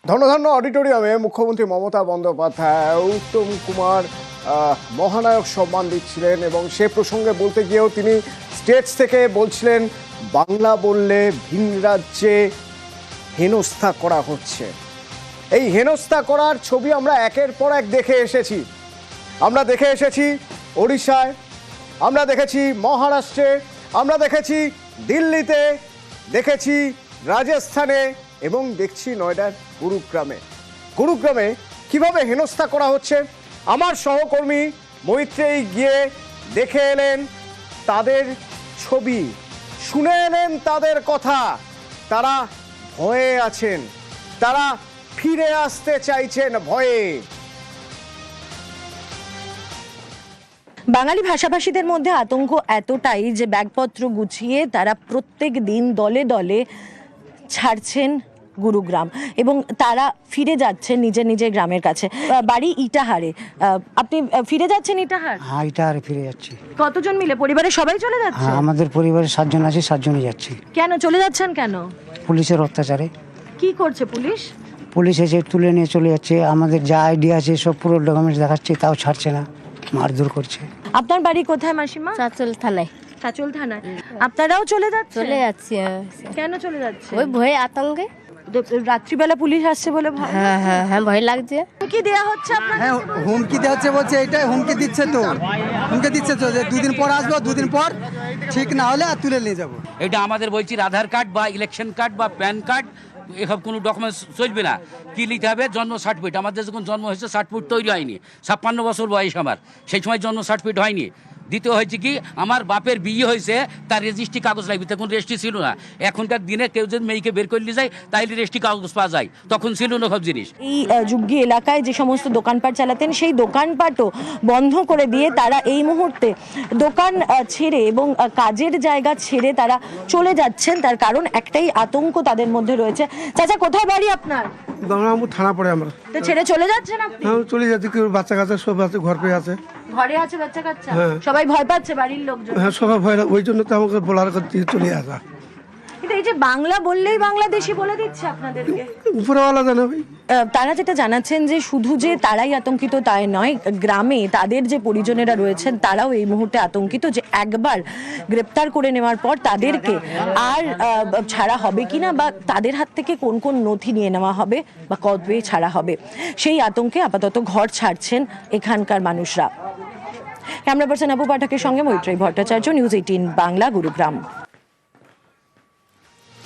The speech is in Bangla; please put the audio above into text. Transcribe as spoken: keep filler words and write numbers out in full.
ধনধান্য অডিটোরিয়ামে মুখ্যমন্ত্রী মমতা বন্দ্যোপাধ্যায় উত্তম কুমার মহানায়ক সম্মান দিচ্ছিলেন এবং সে প্রসঙ্গে বলতে গিয়েও তিনি স্টেজ থেকে বলছিলেন বাংলা বললে ভিন রাজ্যে হেনস্থা করা হচ্ছে। এই হেনস্থা করার ছবি আমরা একের পর এক দেখে এসেছি। আমরা দেখে এসেছি ওড়িশায়, আমরা দেখেছি মহারাষ্ট্রে, আমরা দেখেছি দিল্লিতে, দেখেছি রাজস্থানে এবং দেখছি নয়ডার গুরুগ্রামে। গুরুগ্রামে কিভাবে হেনস্থা করা হচ্ছে আমার সহকর্মী মৈত্রেয়ী গিয়ে দেখে এলেন তাদের ছবি, শুনে এলেন তাদের কথা। তারা ভয়ে আছেন, তারা ফিরে আসতে চাইছেন ভয়ে। বাঙালি ভাষাভাষীদের মধ্যে আতঙ্ক এতটাই যে ব্যাগপত্র গুছিয়ে তারা প্রত্যেক দিন দলে দলে ছাড়ছেন গুরুগ্রাম এবং তারা ফিরে যাচ্ছেন নিজের নিজের গ্রামের কাছে। বাড়ি ইটাহারে, আপনি ফিরে যাচ্ছেন ইটাহার? হ্যাঁ, ইটাহারে ফিরে যাচ্ছি। কতজন মিলে? পরিবারের সবাই চলে যাচ্ছে? হ্যাঁ, আমাদের পরিবারে সাতজন আছে, সাতজনই যাচ্ছি। কেন চলে যাচ্ছেন? কেন? পুলিশের অত্যাচারে। কি করছে পুলিশ? পুলিশ এসে তুলে নিয়ে চলে যাচ্ছে, আমাদের যা আইডিয়া আছে সব পুরো ডকুমেন্টস দেখাচ্ছে, তাও ছাড়ছে না, মারধর করছে। আপনার বাড়ি কোথায় মাসিমা? চাচল থানায়। চাচল থানায়। আপনারাও চলে যাচ্ছেন? চলে যাচ্ছি। কেন চলে যাচ্ছে? ওই ভয়ে আতঙ্কে। রাত্রিবেলা পুলিশ আসছে বলে ভয়? হ্যাঁ হ্যাঁ হ্যাঁ ভয় লাগছে। কি দেয়া হচ্ছে আপনার? হ্যাঁ, হুমকি দেওয়া হচ্ছে, বলছে এটাই হুমকি দিচ্ছে তো হুমকি দিচ্ছে তো যে দুদিন পর আসবো, দুদিন পর ঠিক না হলে আর তুলে নিয়ে যাবো। এটা আমাদের বলছি আধার কার্ড বা ইলেকশন কার্ড বা প্যান কার্ড এসব কোনো ডকুমেন্টস চলবে না। কি লিখতে হবে? জন্ম সার্টিফিকেট। আমাদের যখন জন্ম হয়েছে সার্টিফিকেট তৈরি হয়নি, ছাপ্পান্ন বছর বয়স আমার, সেই সময় জন্ম সার্টিফিকেট হয়নি। দ্বিতীয় হয়েছে কি, আমার বাপের বিয়ে হয়েছে, তার রেজিস্ট্রি কাগজ লাগবে, তখন রেজিস্ট্রি ছিল না। এখনকার দিনে কেউ যদি মেয়েকে বের করে নিয়ে যায় তাহলে রেজিস্ট্রি কাগজ পাওয়া যায়, তখন ছিল না সব জিনিস। এই যুগ্গি এলাকায় যে সমস্ত দোকানপাট চালাতেন সেই দোকানপাটও বন্ধ করে দিয়ে তারা এই মুহূর্তে দোকান ছেড়ে এবং কাজের জায়গা ছেড়ে তারা চলে যাচ্ছেন। তার কারণ একটাই, আতঙ্ক তাদের মধ্যে রয়েছে। চাচা, কোথায় বাড়ি আপনার? গঙ্গারামপুর থানা পড়ে আমরা। তো ছেড়ে চলে যাচ্ছেন আপনি? হ্যাঁ, চলে যাচ্ছি। কেউ বাচ্চা কাচ্চা সব আছে, ঘর পেয়ে আছে। ঘরে আছে বাচ্চা কাচ্চা? হ্যাঁ। সবাই ভয় পাচ্ছে বাড়ির লোকজন? হ্যাঁ, সবাই ভয়, ওই জন্য তো আমাকে বলার করতে চলে আসা। কিন্তু এই যে বাংলা বললেই বাংলাদেশি বলে দিচ্ছে আপনাদেরকে, উপরওয়ালা জানে ভাই। তারা যেটা জানাচ্ছেন যে শুধু যে তারাই আতঙ্কিত তাই নয়, গ্রামে তাদের যে পরিজনেরা রয়েছেন তারাও এই মুহূর্তে আতঙ্কিত যে একবার গ্রেপ্তার করে নেওয়ার পর তাদেরকে আর ছাড়া হবে কিনা, বা তাদের হাত থেকে কোন কোন নথি নিয়ে নেওয়া হবে বা কবে ছাড়া হবে, সেই আতঙ্কে আপাতত ঘর ছাড়ছেন এখানকার মানুষরা। ক্যামেরা পার্সন আবু পাঠকের সঙ্গে মৈত্রেয়ী ভট্টাচার্য, নিউজ এইটিন বাংলা, গুরুগ্রাম।